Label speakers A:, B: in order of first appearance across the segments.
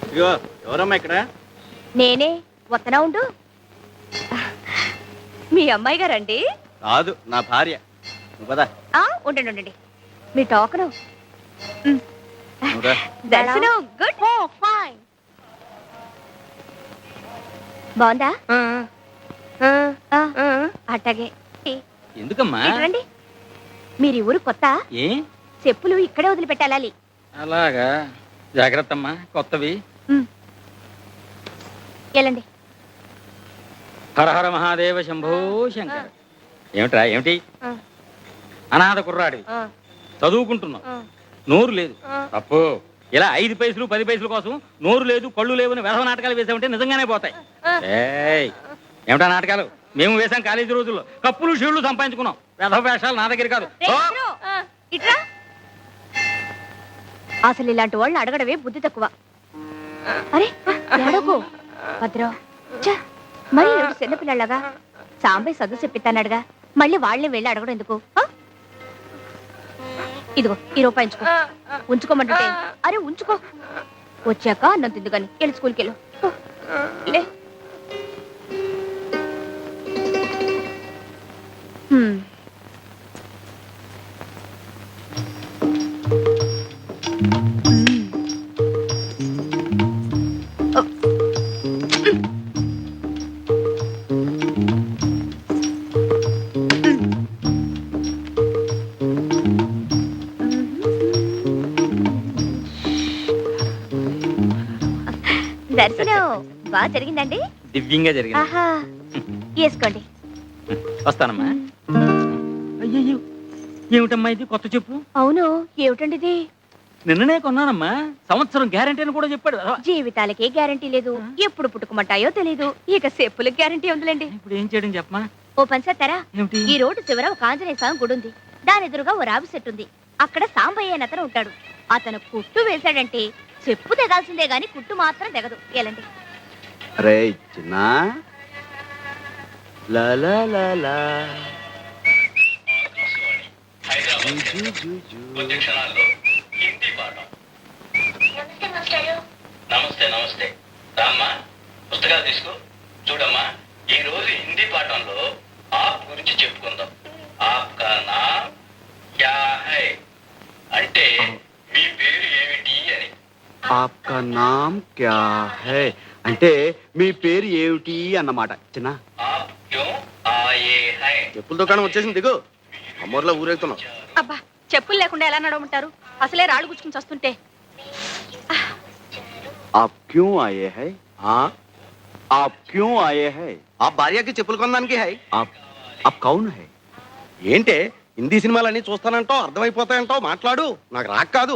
A: ఇదిగో ఎవరమ్మా ఇక్కడ?
B: నేనే వత్తనా ఉండు. మీ అమ్మాయి గారండి?
A: కాదు, నా భార్య. నువ్వు పద.
B: ఉండండి ఉండండి. మీ టోకను.
A: నువ్వు రా.
B: దర్శనం గుడ్. ఫైన్. బాగుందా? అట్టగే.
A: ఎందుకమ్మా?
B: రండి. మీరు ఈ ఊరు కొత్త?
A: ఏ
B: చెప్పులు ఇక్కడే వదిలిపెట్టాలి.
A: అలాగా, జాగ్రత్త అమ్మా, కొత్తవి.
B: వెళ్ళండి.
A: హర హర మహాదేవ శంభో శంకర. ఏమిట్రా ఏమిటి? అనాథ కుర్రాడి, చదువుకుంటున్నావు, నోరు లేదు. తప్పు. ఇలా 5 పైసలు 10 పైసల కోసం నోరు లేదు కళ్ళు లేవని వెధవ నాటకాలు వేసామంటే నిజంగానే పోతాయి. ఏమిటా నాటకాలు? మేము వేసాం కాలేజీ రోజుల్లో, కప్పులు షీళ్లు సంపాదించుకున్నాం. వెధవ వేషాలు నా దగ్గర కాదు.
B: అసలు ఇలాంటి వాళ్ళని అడగడమే బుద్ధి తక్కువ. అరే అడగో భద్రం. మరి చిన్నపిల్లలాగా సాంబయ్య చదువు చెప్పిస్తానడుగా, మళ్ళీ వాళ్ళని వెళ్ళి అడగడం ఎందుకు? ఇదిగో ఈ రూపాయి ఉంచుకోమంటుంటే. అరే ఉంచుకో, వచ్చాక అన్నం తిందు కానీ. వెళ్ళి స్కూల్కి వెళ్ళు. లే. దర్శనం బాగా జరిగిందండి?
A: దివ్యంగా జరిగింది.
B: వేసుకోండి.
A: వస్తానమ్మా. అయ్యో, ఏమిటమ్మా ఇది కొత్త చెప్పు?
B: అవును, ఏమిటండి ఇది?
A: నిన్ననే కొన్నానమ్మా. సంవత్సరం గ్యారంటీ అని కూడా చెప్పాడు.
B: జీవితాలకే గ్యారంటీ లేదు, ఎప్పుడు పుట్టుకుమంటాయో తెలీదు. ఇక చెప్పులకు గ్యారంటీ ఉందిలేండి.
A: ఇప్పుడు ఏం చేయడం చెప్పమా?
B: ఓ పని చేస్తారా? ఈ రోడ్డు చివర ఒక ఆంజనేయ స్వామి గుడి ఉంది. దాని ఎదురుగా ఓ రావి చెట్టు ఉంది. అక్కడ సాంబయ్య అని అతను ఉంటాడు. అతను కుట్టు వేశాడంటే చెప్పు తెగాల్సిందే గాని కుట్టు మాత్రం తెగదు. ఎలాంటి
C: అరే చిన్నా
D: నమస్తే నమస్తే. రామ్మా, పుస్తకాలు తీసుకో. చూడమ్మా, ఈ రోజు హిందీ పాఠంలో ఆప్ గురించి చెప్పుకుందాం. ఆప్ కా నామ్ క్యా హై అంటే మీ పేరు ఏమిటి అని.
C: ఆప్కా నామ్ క్యా హై అంటే మీ పేరు ఏమిటి అన్నమాట. చిన్న
D: ఆప్ క్యో ఆయే హై.
E: చెప్పుల దుకాణం వచ్చేసింది, దిగు. అమ్మోర్లో ఊరేగుతున్నాం.
B: అబ్బా, చెప్పులు లేకుండా ఎలా నడవమంటారు? అసలే రాళ్ళు గుచ్చుకుని వస్తుంటే.
C: आप क्यों आए हैं? आप क्यों आए हैं?
E: ఆ భార్యకి చెప్పులు కొనడానికి హై.
C: आप कौन है?
E: ఏంటే హిందీ సినిమాలన్నీ చూస్తానంటావు, అర్థమైపోతాయంటావు. మాట్లాడు, నాకు రాక్ కాదు.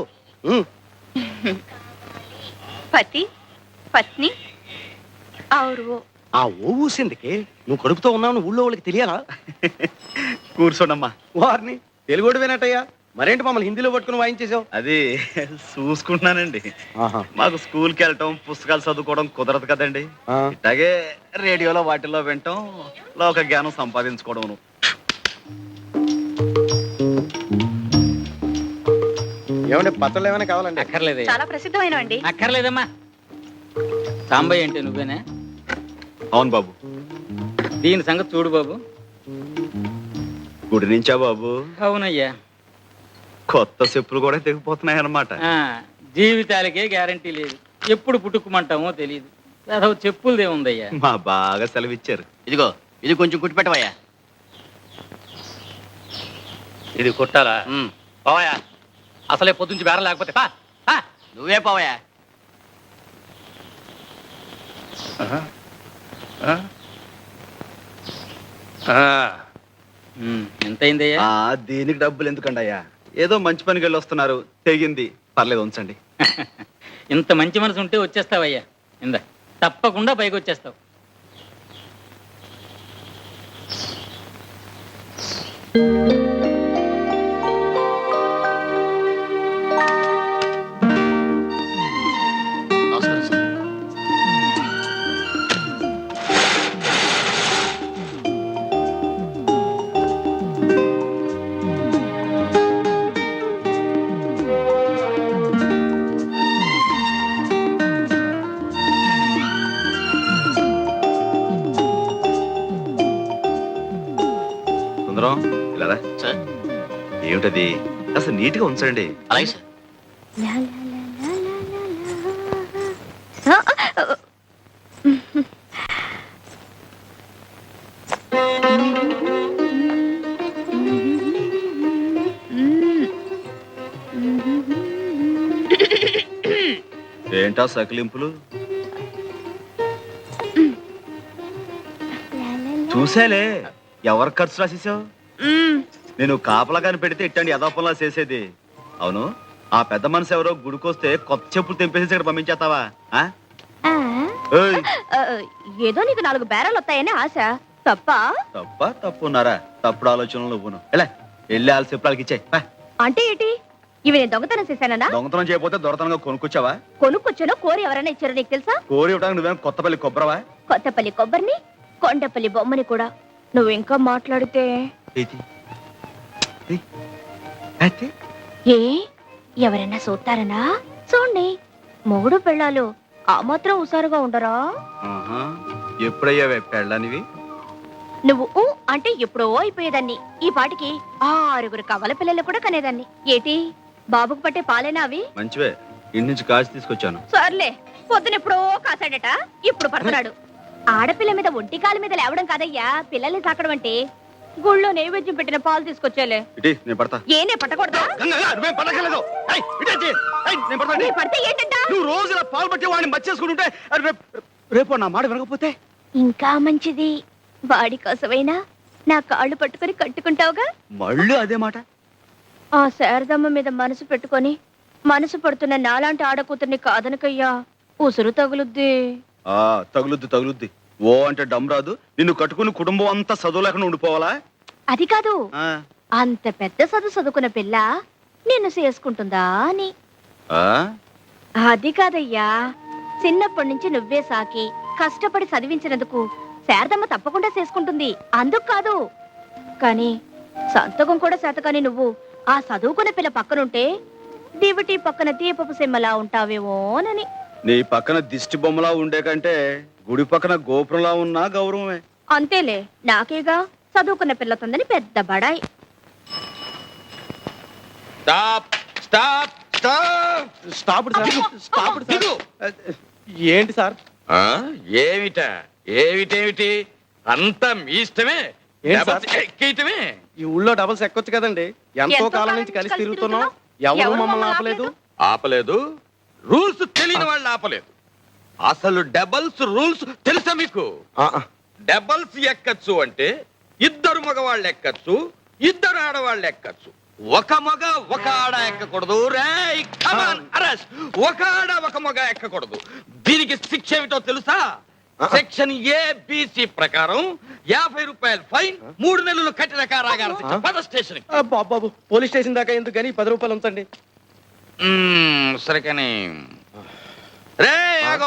B: పతి పత్ని ఔరు.
E: ఆ ఓ ఊసిందికి నువ్వు కడుపుతో ఉన్నావు ఊళ్ళో వాళ్ళకి తెలియాలా?
C: కూర్చోండమ్మా.
E: వారిని తెలుగుడు వినట్టయ్యా. మరేంటి మమ్మల్ని హిందీలో పట్టుకుని వాయించేసావు?
C: అది చూసుకుంటున్నానండి. మాకు స్కూల్కి వెళ్ళటం పుస్తకాలు చదువుకోవడం కుదరదు కదండి. ఇట్లాగే రేడియోలో వాటిల్లో వినటం, లోక జ్ఞానం సంపాదించుకోవడం.
E: ఏమంటే పత్రాలు ఏమైనా కావాలండి?
A: అక్కర్లేదే.
B: చాలా ప్రసిద్ధమైనవండి.
A: అక్కర్లేదమ్మా. సాంబయ్య అంటే నువ్వేనా?
C: అవును బాబు.
A: దీని సంగతి చూడు బాబు.
C: గుడి నుంచా బాబు?
A: అవునయ్యా.
C: కొత్త చెప్పులు కూడా తెగిపోతున్నాయి అన్నమాట.
A: జీవితాలకే గ్యారంటీ లేదు, ఎప్పుడు పుట్టుకుమంటామో తెలియదు. అదో చెప్పులదే ఉందయ్యా.
C: మా బాగా సెలవిచ్చారు.
E: ఇదిగో ఇది కొంచెం కుట్టి పెట్టవయ్యా.
A: ఇది కుట్టాలా? పోవయా, అసలే పొద్దుంచి బేరం లేకపోతే
E: నువ్వే పోవయ్యా.
A: ఎంత అయిందయ్యా?
C: దీనికి డబ్బులు ఎందుకండి అయ్యా? ఏదో మంచి పనికి వెళ్ళి వస్తున్నారు, తెగింది, పర్లేదు ఉంచండి.
A: ఇంత మంచి మనసు ఉంటే వచ్చేస్తావయ్యా. ఇందా, తప్పకుండా పైకి వచ్చేస్తావు.
C: ఏమిటది? అసలు నీట్ గా ఉంచండి.
D: అలాగే సార్.
C: ఏంటా సకిలింపులు? చూసేలే, ఎవరి ఖర్చు రాసేసావు? నేను కాపలాగాని పెడితే ఇట్టండి యథాపంలా చేసేది. అవును, ఆ పెద్ద మనసు ఎవరో గుడికొస్తే కొత్త చెప్పులు తెంపేసి ఇక్కడ పంపించేస్తావా? ఆ? ఏయ్,
B: ఏదో నీకు 4 బేరాలు వస్తాయని ఆశ.
C: తప్పున్నారా? తప్పుడు ఆలోచనలు నువ్వును. ఎలా వెళ్ళి వాళ్ళ చెప్పులకి ఇచ్చాయి.
B: అంటే ఏంటి? ఇవి నేను దొంగతనం చేశానా?
C: దొంగతనం చేయకపోతే దొరతనంగా కొనుక్కొచ్చావా?
B: కొనుక్కొచ్చానో కోరి ఎవరైనా ఇచ్చారో నీకు తెలుసా?
C: కోరి ఇవ్వడానికి నువ్వేం కొత్తపల్లి కొబ్బరవా?
B: కొత్తపల్లి కొబ్బరిని, కొండపల్లి బొమ్మని కూడా. నువ్వు ఇంకా మాట్లాడితే ఏ ఎవరైనా చూస్తారనా? చూడండి, మొగుడు పెళ్ళాలు ఆ మాత్రం హుషారుగా ఉండరా?
C: ఎప్పుడయ్యావే పెళ్ళనివి?
B: నువ్వు అంటే ఎప్పుడో అయిపోయేదాన్ని. ఈ పాటికి 6 కవల పిల్లలు కూడా కనేదాన్ని. ఏటి బాబుకు పట్టే పాలేనా అవి?
C: మంచివే, ఇంటి నుంచి కాచి తీసుకొచ్చాను.
B: సర్లే, పొద్దునెప్పుడో కాసాడట, ఇప్పుడు పడుతున్నాడు. ఆడపిల్ల మీద ఒంటి కాలు మీద లేవడం కాదయ్యా పిల్లల్ని సాకడం అంటే. గుళ్ళో నైవేద్యం పెట్టిన పాలు తీసుకొచ్చేలే.
C: నేను పడతా.
B: ఏనే పట్టకూడదా? నీ పడితే ఏంటంట?
C: నువ్వు రోజు ఇలా పాలు పట్టి వాడిని మర్చేసుకుంటుంటే రేపు నా మాట వినకపోతే
B: ఇంకా మంచిది. వాడి కోసమైనా నా కాళ్ళు పట్టుకొని కట్టుకుంటావుగా.
C: మళ్ళీ అదే మాట.
B: ఆ శారదమ్మ మీద మనసు పెట్టుకొని మనసు పడుతున్న నాలాంటి ఆడకూతుర్ని కాదనకయ్యా, ఉసురు తగులుద్ది.
C: తగులుద్ది. ఓ అంటే డమ్ రాదు. నిన్ను కట్టుకుని కుటుంబం అంతా చదువు లేకుండా ఉండిపోవాలా?
B: అది కాదు, అంత పెద్ద చదువుకున్న పిల్ల నిన్ను చేసుకుంటుందా అని. అది కాదయ్యా, చిన్నప్పటి నుంచి నువ్వే సాకి కష్టపడి చదివించినందుకు శారదమ్మ తప్పకుండా చేసుకుంటుంది. అందుకు కాదు, కానీ సంతకం కూడా శాతకాని నువ్వు ఆ చదువుకున్న పిల్ల పక్కనుంటే దివిటి పక్కన దీపపు సిమ్మలా ఉంటావేమోనని.
C: నీ పక్కన దిష్టి బొమ్మలా ఉండే కంటే గుడి పక్కన గోపురంలా ఉన్నా గౌరవమే.
B: అంతేలే, నాకేగా చదువుకున్న పిల్లతుందని పెద్ద బడాయి.
E: ఏంటి సార్?
A: ఏమిటి అంతా మీ ఇష్టమే.
E: ఏంటి సార్?
A: ఎక్కేయటమే.
E: ఈ ఊళ్ళో డబల్స్ ఎక్కొచ్చు కదండి. ఎంతో కాలం నుంచి కలిసి తిరుగుతున్నాం, ఎవరు మమ్మల్ని ఆపలేదు.
A: ఆపలేదు, రూల్స్ తెలియని వాళ్ళు ఆపలేదు. అసలు డబల్స్ రూల్స్ తెలుసా మీకు? డబల్స్ ఎక్కచ్చు అంటే 2 మగవాళ్ళు ఎక్కచ్చు, 2 ఆడవాళ్ళు ఎక్కచ్చు. ఒక మగ ఒక ఆడ ఎక్కకూడదు. ఒక ఆడ ఒక మగ ఎక్కకూడదు. దీనికి శిక్ష ఏమిటో తెలుసా? సెక్షన్ ABC ప్రకారం 50 రూపాయలు ఫైన్, 3 నెలలు కఠిన కారాగార శిక్ష. పద స్టేషన్.
E: బాబు, పోలీస్ స్టేషన్ దాకా ఎందుకు కానీ 10 రూపాయలు ఉంచండి.
A: సరే కానీ రే ఆగో.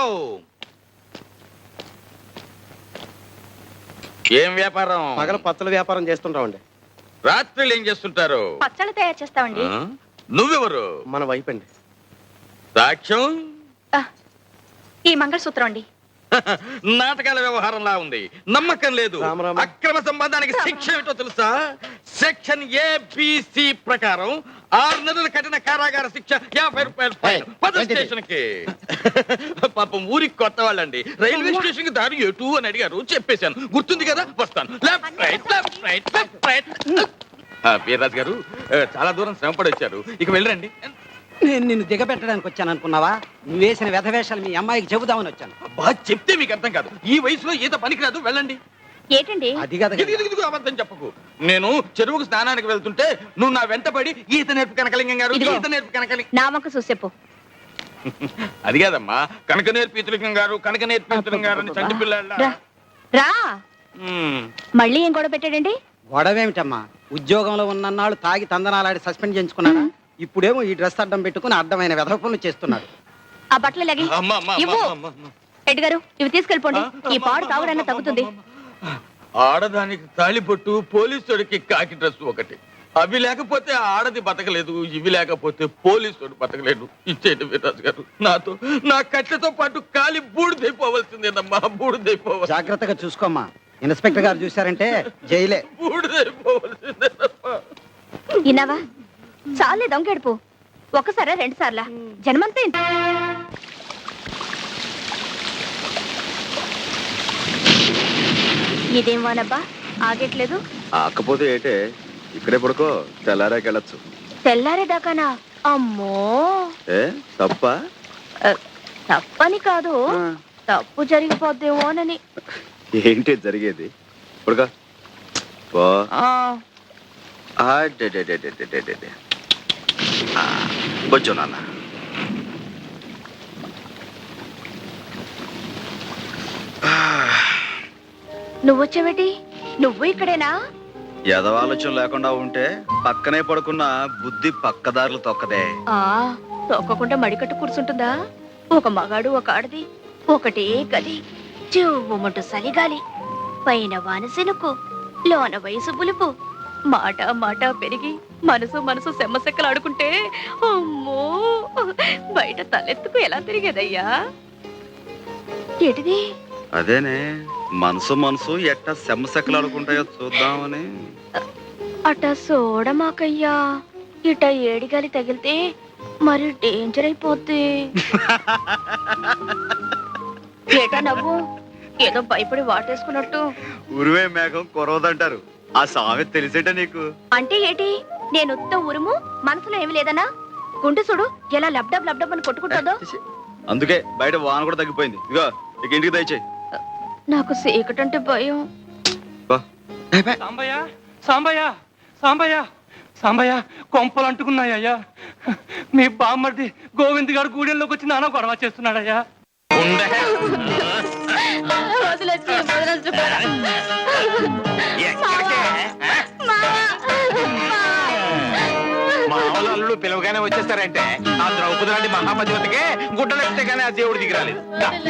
A: ఏం వ్యాపారం?
E: పగల పచ్చల వ్యాపారం చేస్తుంటామండి.
A: రాత్రులు ఏం చేస్తుంటారు?
B: పచ్చళ్ళు తయారు చేస్తామండి.
A: నువ్వెవరు?
E: మన వైపు అండి.
A: సాక్ష్యం?
B: ఈ మంగళసూత్రం అండి.
A: నాటకాల వ్యవహారంలా ఉంది, నమ్మకం లేదు.
E: రామరామ.
A: అక్రమ సంబంధానికి శిక్ష ఏమిటో తెలుసా? సెక్షన్ ABC ప్రకారం 6 నెలల కఠిన కారాగార శిక్ష, 50 రూపాయలు ఫైన్. పద స్టేషన్ కి. పాపం ఊరికి కొత్త వాళ్ళండి. రైల్వే స్టేషన్ కి దారి ఎటు అని అడిగారు, చెప్పేశాను. గుర్తుంది కదా? వస్తాను. Left right left right left right. Veerraju garu చాలా దూరం శ్రమపడి వచ్చారు, ఇక వెళ్ళండి.
F: నేను నిన్ను దిగబెట్టడానికి వచ్చాను అనుకున్నావా? నువ్వు వేసిన వ్యధవేషాలు మీ అమ్మాయికి చెబుదామని వచ్చాను.
A: అబ్బా, చెప్తే మీకు అర్థం కాదు. ఈ వయసులో ఈత పనికిరాదు, వెళ్ళండి.
B: ఏంటండి?
F: అది కదా
A: ఇదిగో అబద్ధం చెప్పకు. నేను చెరువుకు స్నానానికి వెళ్తుంటే నువ్వు నా వెంటపడి ఈత నేర్పు కనకలింగం గారు,
B: ఇదిగో.
A: ఈత నేర్పు కనకలింగం.
B: నా వంక చూసేపు.
A: అది కాదమ్మా, కనక నేర్పు ఈతలింగం గారు, కనక నేర్పు ఈతలింగం గారు అని చంటి పిల్లల.
B: రా రా. మళ్ళీ ఏం గొడవ పెట్టాడండి?
F: గొడవేమిటమ్మా, ఉద్యోగంలో ఉన్నన్నాళ్ళు తాగి తందనాలాడి సస్పెండ్ చేయించుకున్నాడా? ఇప్పుడేమో ఈ డ్రెస్ అడ్డం పెట్టుకుని అడ్డమైన వెధవ పనులు చేస్తున్నాడు.
B: ఆ బట్టలు లగి ఇవ్వు. రెడ్డి గారు, ఇవి తీసుకెళ్ళిపోండి. ఈ పాడు తాగుడన్నా తగ్గుతుంది.
A: ఆడదానికి తాళిబొట్టు, పోలీసుడికి కాకి డ్రెస్ ఒకటి. అవి లేకపోతే ఆడది బతకలేదు, ఇవి లేకపోతే పోలీసుడు బతకలేదు. ఇచ్చేటి వీర్రాజు గారు, నాతో నా కట్లతో పాటు కాలి బూడిదైపోవలసిందేనమ్మా, బూడిదైపోవాలి.
F: జాగ్రత్తగా చూసుకోమ్మా. ఇన్స్పెక్టర్ గారు చూశారంటే జైలే.
A: బూడిదైపోవలసిందేనమ్మా.
B: విన్నావా? చాలే దొంగెడుపు. ఒకసారా 2 సార్లా? జన్మంతా ఇంత. ఇదేం వానబ్బా ఆగట్లేదు.
C: ఆకపోతే ఏటే, ఇక్కడే పడుకో, తెల్లారాకెళ్ళచ్చు.
B: తెల్లారేదాకానా? అమ్మో,
C: ఏ తప్ప?
B: తప్పని కాదు, తప్పు జరిగిపోద్దేమోనని.
C: ఏంటి జరిగేది? పడుకో. పో. కొంచెం నాన్న.
B: నువ్వొచ్చావేటి? నువ్వు ఇక్కడేనా?
C: ఎదవాలోచన లేకుండా ఉంటే పక్కనే పడుకున్న బుద్ధి పక్కదారులు తొక్కదే.
B: తొక్కకుండా మడికట్టు కూర్చుంటుందా? ఒక మగాడు ఒక ఆడది ఒకటే గది, చెవుమంటూ సలిగాలి, పైన వానసెనుకు, లోన వయసు బులుపు, మాట మాట పెరిగి మనసు మనసు సెమ్మసెక్కలు ఆడుకుంటే అమ్మో బయట తలెత్తుకు ఎలా తిరిగేదయ్యా. ఏటిది?
C: అదేనే, మనసు మనసు ఎట్టా సెమ్మసెక్కలు ఆడుకుంటాయో చూద్దామని.
B: అట సోడమాకయ్యా, ఇట ఏడిగాలి తగిలితే మరి డేంజర్ అయిపోద్ది. ఏటా నవ్వు? ఏదో భయపడి వాటేసుకున్నట్టు.
C: ఉరివే మేఘం కొరవదంటారు, ఆ సామె తెలిసేట నీకు?
B: అంటే ఏటి? నేను ఉత్త ఉరుము, మనసులో ఏమి లేదనా? గుండె చూడు ఎలా లబ్డబ్ లబ్డబ్ అని కొట్టుకుంటుందో.
C: అందుకే బయట వాన కూడా తగ్గిపోయింది. ఇగో ఇక ఇంటికి దయచేయి.
B: నాకు సీకటంటే భయం.
G: సాంబయ్య సాంబయ్య సాంబయ్య సాంబయ్య, కొంపలు అంటుకున్నాయ్యా. మీ బామ్మర్ది గోవింద్ గారు గూడెంలోకి వచ్చి నాన్న గొడవ చేస్తున్నాడయ్యా.
H: మామూలు అల్లుడు పిలవగానే వచ్చేస్తారంటే ఆ ద్రౌపది లాంటి మహాపతివతికే గుడ్డలెక్కితే గానీ ఆ దేవుడు దిగిరాలేదు.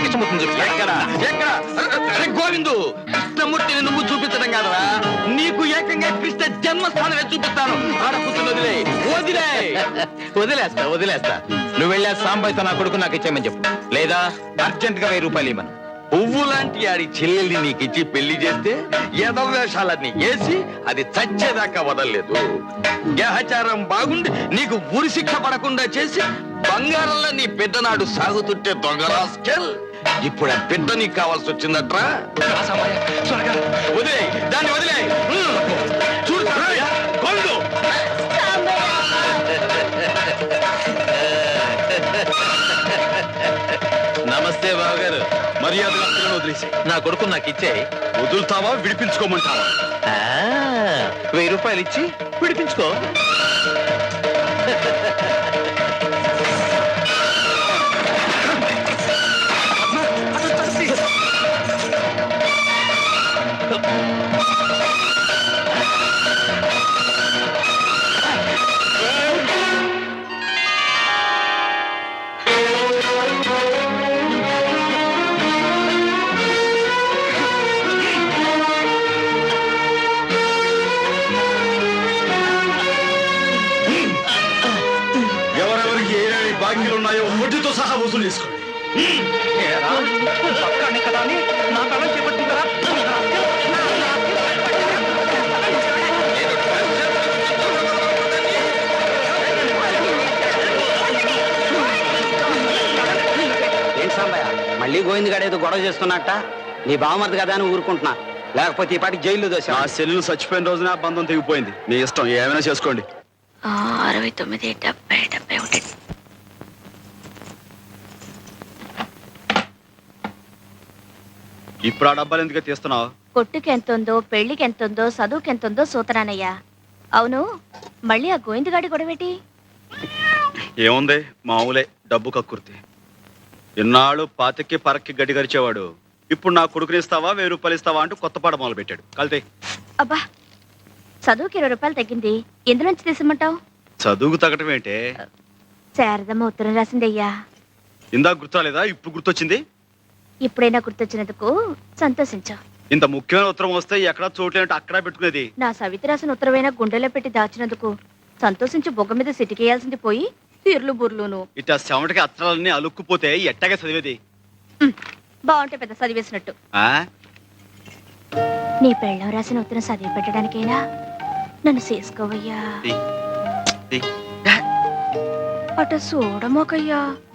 H: గోవిందు, కృష్ణమూర్తిని నువ్వు చూపించడం కాదరా, నీకు ఏకంగా కృష్ణ జన్మస్థానమే చూపిస్తాను. ఆడపుత్రులు వదిలేస్తా. నువ్వు వెళ్ళా సాంబయ్యతో నా కొడుకు నాకు ఇచ్చేయమని చెప్పు, లేదా అర్జెంట్ గా 1000 రూపాయలు ఇవ్వను. పువ్వు లాంటి ఆడి చెల్లెల్ని నీకిచ్చి పెళ్లి చేస్తే ఎదవేషాలన్నీ వేసి అది చచ్చేదాకా వదలలేదు. గ్రహచారం బాగుండి నీకు ఉరి శిక్ష పడకుండా చేసి బంగారంలో నీ పెద్దనాడు సాగుతుంటే దొంగరాస్కెల్, ఇప్పుడు ఆ పెద్ద నీకు కావాల్సి వచ్చిందట్రా. వదిలే దాన్ని, వదిలే. చూడు గోవిందు, నమస్తే బావగారు. మర్యాదగా వదిలేసి నా కొడుకు నాకు ఇచ్చే. వదులుతావా విడిపించుకోమంటావా? 1000 రూపాయలు ఇచ్చి విడిపించుకో.
C: ఎవరెవరికి ఏమేమి బాకీలు ఉన్నాయో వడ్డీతో సహా వసూలు చేసుకోండి.
G: కదా అని నా తలం చేపట్టిందా?
F: ఏంటి సాంబయ్య, మళ్ళీ గోవింద్ గారు ఏదో గొడవ చేస్తున్నట్ట? నీ బావమర్ది కదా అని ఊరుకుంటున్నా, లేకపోతే ఈ పాటికి జైల్లో దోశ.
C: నా సెల్లు చచ్చిపోయిన రోజున ఆ బంధం తెగిపోయింది. మీ ఇష్టం, ఏమైనా చేసుకోండి.
B: 69, 70, 71.
C: ఇప్పుడు ఆ డబ్బాలు ఎందుకు తీస్తున్నావు?
B: కొట్టుకి ఎంతుందో, పెళ్లికి ఎంతుందో, చదువుకి ఎంతుందో సూతనానయ్యా. అవును, మళ్ళీ ఆ గోవిందగాడి గొడవేటి?
C: ఏముంది, మామూలే, డబ్బు కక్కుర్తి. ఇన్నాళ్ళు పాతకి పరక్కి గడ్డి గరిచేవాడు ఇప్పుడు నా కొడుకుని ఇస్తావా 1000 రూపాయలు ఇస్తావా అంటూ కొత్త పాట మొదలు పెట్టాడు. కలితే
B: అబ్బా, చదువుకి 20 రూపాయలు తగ్గింది, ఎందులోంచి తీసమంటావు?
C: చదువుకు తగ్గటం ఏంటే?
B: శారదమ్మ ఉత్తరం రాసిందయ్యా.
C: ఇందాక గుర్తురాలేదా? ఇప్పుడు గుర్తొచ్చింది.
B: ఇప్పుడైనా గుర్తొచ్చినందుకు సంతోషించు.
C: ఇంత ముఖ్యమైన ఉత్తరం వస్తే ఎక్కడా చోట్లేనట్టు అక్కడా పెట్టుకునేది.
B: నా సవితి రాసిన ఉత్తరమైనా గుండెలో పెట్టి దాచినందుకు సంతోషించి బొగ్గ మీద సిటికేయాల్సింది పోయి తీర్లు బుర్లును.
C: ఇట్లా చెమటకి అత్తరాలన్నీ అలుక్కుపోతే ఎట్టగా చదివేది?
B: బాగుంటే పెద్ద చదివేసినట్టు.
C: ఆ
B: నీ పెళ్ళం రాసిన ఉత్తరం చదివి పెట్టడానికైనా నన్ను చేసుకోవయ్యా. అట చూడమోకయ్యా